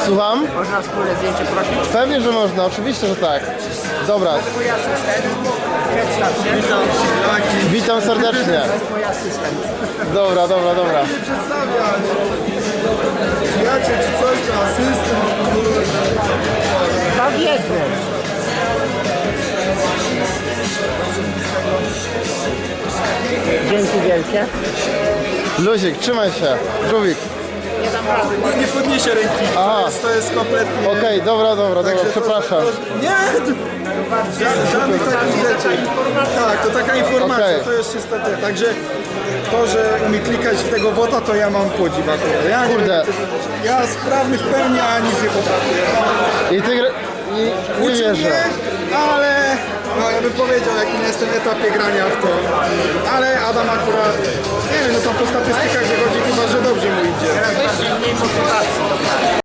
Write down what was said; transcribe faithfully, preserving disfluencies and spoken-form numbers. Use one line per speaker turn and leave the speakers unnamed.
Słucham?
Można wspólne zdjęcie prosić?
Pewnie, że można, oczywiście, że tak. Dobra.
To jest mój asystent. Przedstaw się.
Witam. Jaki?
Witam serdecznie.
To jest mój asystent.
Dobra, dobra, dobra.
się przedstawiać. Przyjaciel czy coś, czy asystent.
Tam jedny. Dzięki wielkie.
Luzik, trzymaj się. Żółwik.
Nie dam rady.
Nie podniesie ręki.
Aha.
To jest, to jest kompletnie...
Okej, dobra, dobra, dobra,
Także to-
przepraszam.
to- Nie! Ża- Żadnych takich rzeczy. Tak, to taka informacja,
Okej.
to jest czysta te. Także to, że umie klikać w tego bota, to ja mam podziw akurat. Ja nie
Kurde.
wiem, ja sprawny w pełni, a nic nie potrafię.
I ty gra... I nie
Uczy
wierzę.
mnie, ale no, ja bym powiedział, jakim jestem etapie grania w to. Ale Adam akurat, nie wiem, no tam po statystykach wychodzi chyba, że dobrze mu idzie.
Mniej motywacji.